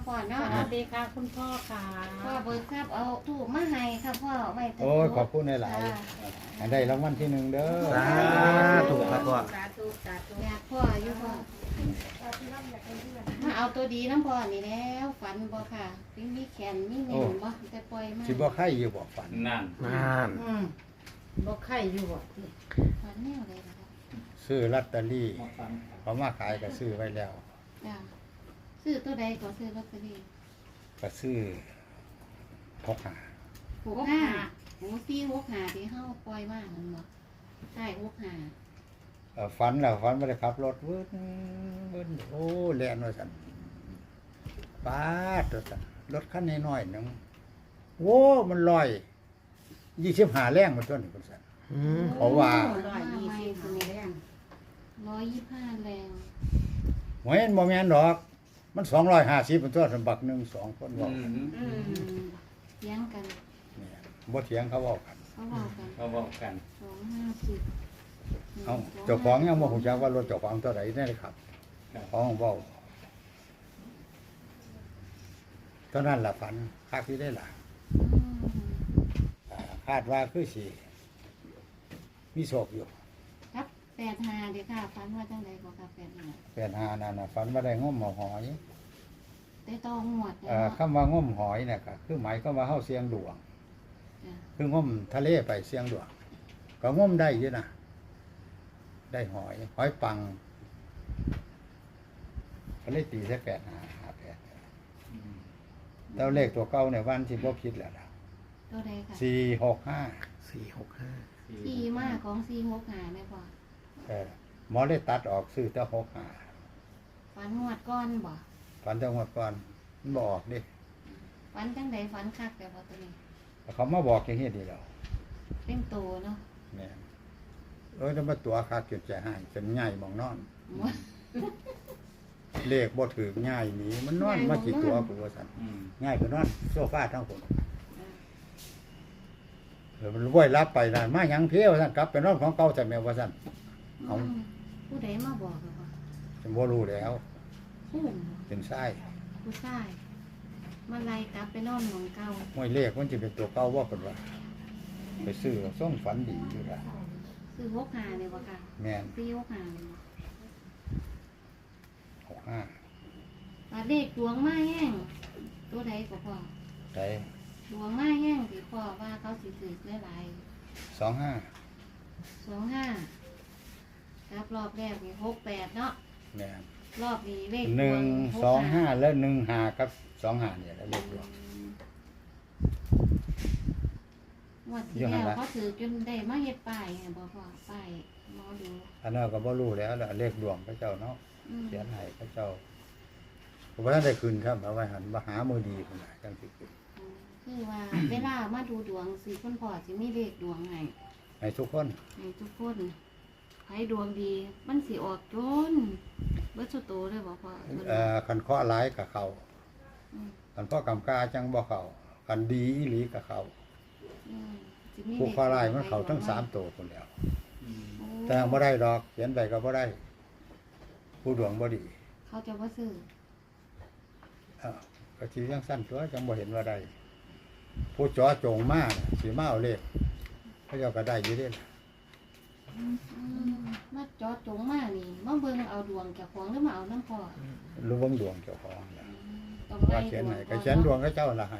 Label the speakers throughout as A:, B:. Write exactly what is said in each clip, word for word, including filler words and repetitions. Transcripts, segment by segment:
A: พ่อเนาะ
B: สวัสดีค่ะคุณพ่อค่ะ
A: พ่อเบิกทรัพย์เอาถูกมาให้ค่ะพ่อไว้
C: โอ้ยขอบคุณหลายๆให้ได้รางวัลที่หนึ่งเด้อ
D: สาธุครับพ่อ
B: สาธุสาธุ
A: อยากพ่ออยู่พ่อมาเอาตัวดีน้ำพ่อนี่แล้วฝันบ่ค่ะมีมีแขนมีเน่นบ่แต่ปล่อยมา
C: สิบ่ไข่อยู่บ่ฝัน
E: นั่น
D: นาน
B: อืมบ่ไข่อยู่บ่ที่
A: ฝันแนวใดล่ะคะ
C: ซื้อลอตเตอรี่เขามาขายก็ซื้อไว้แล้ว
A: จ้ะซื้อตัวใดก็ซื้อลอตเตอรี่
C: ก็ซื้อหกหา
A: หกห้าโอ้สี่หกห้าที่เฮาปล่อยมานั่นบ่ใช่หกห้า
C: เอ่อฝันแล้วฝันบ่ได้ขับรถวื้นวื้นโอ้แล่นว่าซั่นปาดว่าซั่นรถคันน้อยๆหนึงโว้มันลอยยี่สิบห้าแรงมันตัวนี้พุ่นซั่น
D: อืม
C: เขาว่า
B: ร้อยยี่สิบห้าแรง
A: ร้อยยี่สิบห้าแรง
C: หวยมันบ่แม่นดอก มันสองร้อยห้าสิบมันตัวสมบักหนึ่งสองคนบอก
E: อืม
B: อืม
A: เถียงกัน
C: เนี่ยบ่เถียงเขาบอกกัน
A: เขาบอกกัน
E: เขาบอกกัน
A: สองห้าสิบ
C: เอ้าเจ้าของยังบ่ฮู้จักว่ารถเจ้าของเท่าไหร่แน่เลยครับ
E: ครับ
C: ของเว้าเท่านั้นล่ะฝันคักที่ได้ล่ะ
A: อืม
C: อ่าคาดว่าคือสิมีโชคอยู่
A: ครับแปดห้าเดี๋ยวค่ะฝันว่าจังไดก็ครับแปดห้า
C: แปดหานั่นน่ะฝันว่าได้งมหอย
A: ได้ต้องหมวด
C: เอ่อคำว่างมหอยเนี่ยก็คือหมายความว่าเฮาเสียงดวง
A: จ้ะ
C: คืองมทะเลไปเสียงดวง ก็งมได้อยู่นะได้หอย หอยปังก็เลยตีแค่แปดหาหาแปด
E: อืม
C: แล้วเลขตัวเก่าในยวันที่บ่ผิดแล้วล่ะ
A: ตัวใดค่ะ
C: สี่หกห้า
D: สี่หกห้า
A: สี่มากของสี่หกห้าแม่พ่อ
C: เออหมอได้ตัดออกซื้อแต่หกห้า
A: ฝันหวดก้อนบ่
C: ฝันจังหวัดก่อนมันบออกดิ
A: ฝันจังไดฝันคักแต่พอตัวนี้
C: เขามาบอกอย่างนี้ดีแล้ว
A: เป็นโตเนาะ
C: เนี่ยเอ้ยแล้วมาตัวคักจุดใจหายจนง่ายมองนอน
A: หมด
C: เลขบ่ถือง่ายหนีมันนอนมากี่ตัวกูว่าสั่น
E: อืม
C: ง่ายกว่านอนโซฟาทั้งคนเออมันรวยรับไปนานมาหยังเพี้ยวสั่นกลับไปนอนของเก่าแต่แมวว่าสั่น เอา
A: มผู้ใดมาบอกอะพ่อ
C: จะบ่รู้แล้ว
A: ผู้
C: เป็นไส้
A: ผู้ชายมาไล่กลับไปนอนหมองเก่า
C: ห้วยเลขมันจะเป็นตัวเก่าว่ากันว่าไปซื้อส่งฝันดีอยู่ละ
A: คือหกห้าเนี่ยบ่ค่ะ
C: แม่น
A: สี่หกห้าเนี่ยบ่
C: หกห้า
A: ปลาเลขดวงมาแห้งตัวใดก็พ่อ
C: ใจ
A: ดวงมาแห้งสิพ่อว่าเขาสิสืบหลาย
C: สองห้า
A: ๆสองห้าครับรอบแรกนี่หกแปดเนาะ
C: แม่น
A: รอบนี้เลข
C: หนึ่ง
A: ดว
C: สองห้า
A: หก
C: แล้วหนึ่งห้ากับสองห้าเนี่ยแล้วเลขดวง
A: งวันที่
C: อยู่หั่
A: แล้
C: น
A: ว
C: ล่ะ
A: เขาถือจนได้มาเฮ็ดป้ายไงบ่พ่อป้ายหมอดู
C: อันนั้นก็บ่รู้แล้วล่ะเลขดวงพระเจ้าเนาะ
A: อืม
C: เขียนให้พระเจ้าผมว่าท่านได้คืนครับเอาไว้หันมาหามือดีคนไหนจังสิคืน
A: อืมคือว่า เวลามาดูดวงสิคุณพ่อสิมีเลขดวงให้
C: ให้ทุกคน
A: ให้ทุกคนใครดวงดี มันสิออกจนเบิดสุดโตเลยบ่พ่อ
C: เอ่อคันข้อร้ายกับเขา
A: อืม
C: คันข้อกำกาจังบ่เขาคันดีอีหลีกับเขา
A: อืมสิมี
C: ผู้
A: เลข
C: ข้อร้ายมัน
A: ให้
C: เขาทั้ง
A: ดว
C: สามตัวคนแล้ว
E: อืม
A: โอ้
C: แต่บ่ได้ดอกเขียนไปก็บ่ได้ ผู้ดวงบ่ดี
A: เขาจะบ่ซื้อ
C: เอ้าก็ทียังสั้นตัวจังบ่เห็นว่าได้ผู้จ่อจงมาน่ะสิมาเอาเลขพระเจ้าก็ได้อยู่เด้ล่ะ
A: อืมมาจอจงมานี่มาเบิ่งเอาดวงเจ้าของหรือมาเอาน้ำพ่อ
C: รู้เบิ่งดวงเจ้าของน่ะ
A: อืมต้อง
C: ว่า
A: ไล่
C: เขียน
A: ดว
C: ไหน
A: ง
C: ก็เขียนดวงก็เจ้าละให้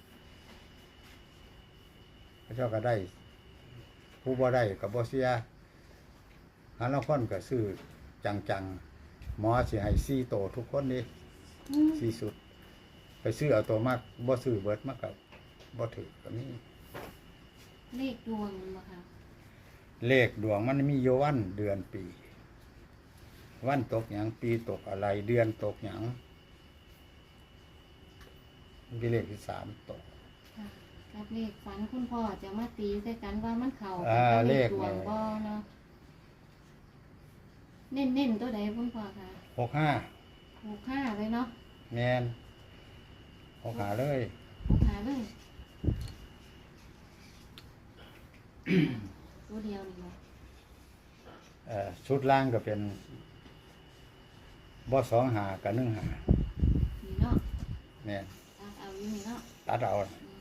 C: พระเจ้าก็ได้ ผู้บ่ได้ก็บ่เสียหาลางคนก็ซื้อจังๆหมอสิให้สี่โตทุกคนนี่
A: อืม
C: สี่สุด ไปซื้อเอาตัวมากบ่ซื้อเบิดมากกับบ่ถือก็มี
A: เลขดวงบ่ค่ะ
C: เลขดวงมันมีอยู่วันเดือนปี วันตกหยังปีตกอะไรเดือนตกหยังมีเลขที่สามตก
A: ค่ะกับเลขฝันคุณพ่อจะมาตีใส่กันว่ามันเข้า
C: อ่า
A: กับ
C: เลข
A: ดวงบ่เนาะเน้นๆตัวใดคุณพ่อคะ
C: หกห้า
A: หกห้าเลยเนาะ
C: แมนหกหาเลย
A: หกห้าเลย ตัวเดียวนี่บ่
C: เอ่อชุดล่างก็เป็นบ่สองหากับหนึ่งหา
A: นี่เนาะ
C: แเนี่ย
A: ตัดเอาอยู่นี่เนาะ
C: ตัดเอา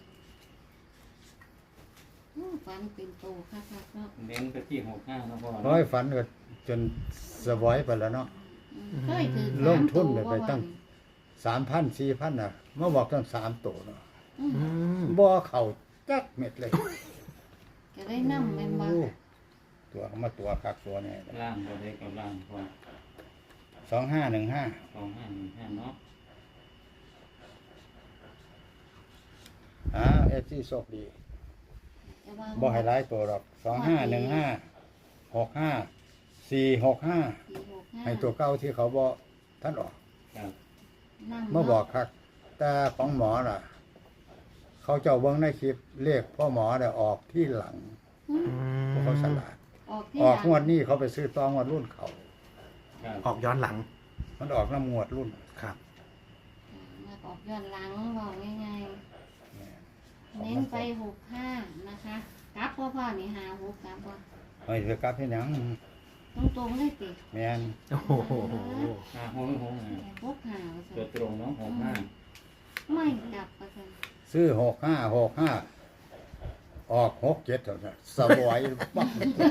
A: อืมฝันเป็นโตคักๆเนาะ
E: เน้นไปที่หกห้านะพ่อ
C: ร้อย
E: เนาะ
C: ฝันก็จนสบอยไปแล้วเนาะ
A: อืมเคยถือ
C: ลงทุน
A: สาม
C: ไป
A: ตัว
C: ตั้ง สามพันสี่พันน่ะเมื่อบอกตั้งสามตัวเนาะ
A: อืม
D: อืม
C: บ่เข้าจักเม็ดเลย
A: จะได้นำแม่นบ่
C: โอ้ตัวเขามาตัวคักตัวเนี่ย
E: ล่างตัวเล็กกับล่างพ่อ
C: สองห้าหนึ่งห้า
E: สองห้าหนึ่งห้าเนาะ
C: อ่าเอฟซีโชคดี
A: จะว่า
C: บ่ให้หลายตัวหรอกสองห้าหนึ่งห้าหกห้าสี่หกห้า
A: สี่หกห้า
C: ให้ตัวเก้าที่เขาบอกท่านออก
E: ครับ
A: นั่ง
C: เมื่อบอกคักแต่ของหมอน่ะ เขาเจ้าเบิ้งในคลิปเลขพ่อหมอเนี่ยออกที่หลัง
A: อืม
C: พวกเขาฉลาด
A: ออกที่
C: ออก
A: หลั
C: งวดนี้เขาไปซื้อตองงวดรุ่นเขา
E: ครับ
D: ออกย้อนหลัง
C: มันออกน้ำงวดรุ่น
D: ครับ
A: มาออกย้อนหลังบอกง่ายๆเน้นไปหกห้านะคะกลับพ่อพ่อนี่หาหกกลับบ่
C: เฮ้ยจะกลับที่หนัง
A: ตรงๆเลยติ
C: แมน
D: โอ้โห
E: ห้าหกหกห้า
A: หกห้าว่า
E: ตัว
A: ซั่น
E: ตรงเนาะหกห้า
A: ไม่กลับว่าซั่น
C: ซื้อหกห้าหกห้าออกหกเจ็ดเท่านั้นสบายปั๊บ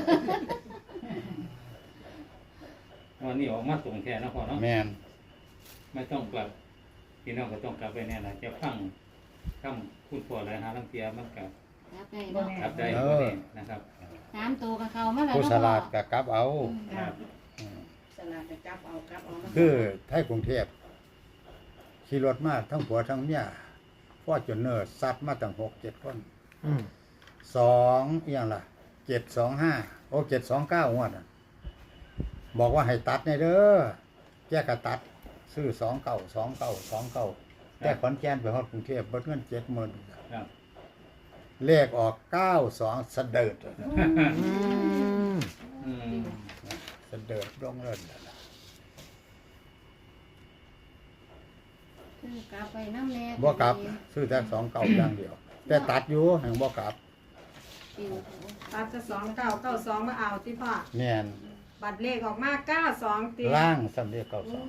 E: วันนี้ออกมาตรงแท้นะพ่อเนาะ
C: แมน
E: ไม่ต้องกลับพี่น้องก็ต้องกลับไปแน่นะจะฟังคำพูดพ่ออะไรหาลังเทียมันกลับ
A: กลับได้เนาะ
E: กลับได้บ่ได้นะครับ
A: สามตัวกับเขามาแล้ว
C: ผู้
A: เนาะ
C: ฉลาด
A: พ่อ
C: กับกลับเอา
A: อืม
E: ครับ
B: สลาดจะจับเอากลับเอานะ
C: คือไทยกรุงเทพขี่รถมาทั้งผัวทั้งเมียฟอร์จูเนอร์ซัดมาตั้งหกเจ็ดคน
D: อืม
C: สองอหย่างล่ะเจ็ดสองห้าโอ้เจ็ดสองเก้างวดน่ะบอกว่าให้ตัดในเด้อแก้กระตัด ซื้อสองเก้าสองเก้าสองเก้าแต่ขอนแก่นไปฮอดกรุงเทพเบิดเงินเจ็ดหมื่น
E: ครับ
C: เลขออกเก้าสองเสด็จ
D: อืม
E: อืม
C: เสด็จร่องเริน
A: คือกลับไปน้ำแน่
C: บ่กลับ ซื้อแต่สองเก้าอย่างเดียว แต่ตัดอยู่แห่งบ่กลับ
A: ปิว
B: ตัดจะสองเก้าเก้าสองมาเอาที่พ่อ
C: แม่น
B: บัตรเลขออกมาเก้าสองตี
C: ล่างสำเร็จเก้าสอง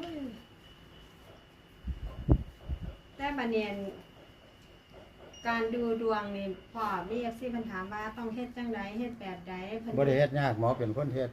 B: แต่บันเนียนการดูดวงนี่พ่อมีเอฟซีเพิ่นถามว่าต้องเฮ็ดจังไดเฮ็ดแบบใดเพิ่น
C: บ่ได้เฮ็ดยากหมอเป็นคนเฮ็ด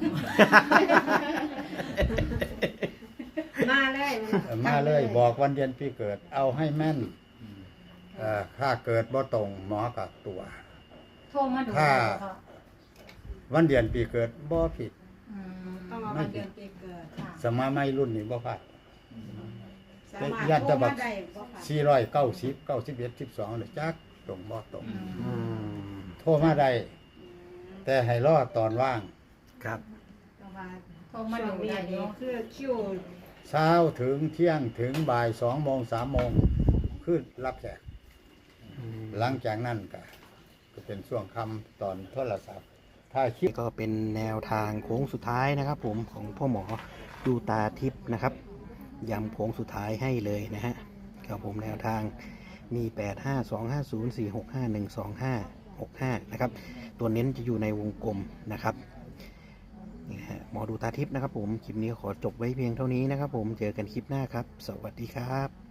B: มาเลย
C: เออมาเลยบอกวันเดือนปีเกิด เอาให้แม่นเอ่อถ้าเกิดบ่ตรงหมอกับตัว
B: โทรมาดู
C: ถ้า
B: พ่อ
C: วันเดือนปีเกิดบ่ผิด
B: ต้องเอาวันเดือนปีเกิดค่ะ
C: สมาไม่รุ่นนี้บ่พลาด
B: สามารถ
C: ยัน
B: โท
C: ตะ
B: ร
C: บั
B: มาก ได้บ่ค่ะ
C: สี่ร้อยเก้าสิบ เก้าสิบเอ็ด สิบสองเลยจักตรงบ่ตรง
D: อืม
C: โทรมาได้ แต่ให้รอตอนว่าง
D: ครับ
B: ก็ว่าโทรมาดูได้นี่คือคิว
C: เช้าถึงเที่ยงถึงบ่ายสองโมงสามโมงคือรับแขก
D: อืม
C: หลังจากนั้นก็ก็เป็นช่วงค่ำตอนโทรศัพท์ ถ้าคิด
D: นี่ก็เป็นแนวทางโค้งสุดท้ายนะครับ ผมของพ่อหมอดูตาทิพย์นะครับย้ำโค้งสุดท้ายให้เลยนะฮะครับผมแนวทางมี แปด ห้า สอง ห้า ศูนย์ สี่ หก ห้า หนึ่ง สอง ห้า หก ห้า นะครับ ตัวเน้นจะอยู่ในวงกลมนะครับนี่ฮะหมอดูตาทิพย์นะครับผมคลิปนี้ขอจบไว้เพียงเท่านี้นะครับผมเจอกันคลิปหน้าครับ สวัสดีครับ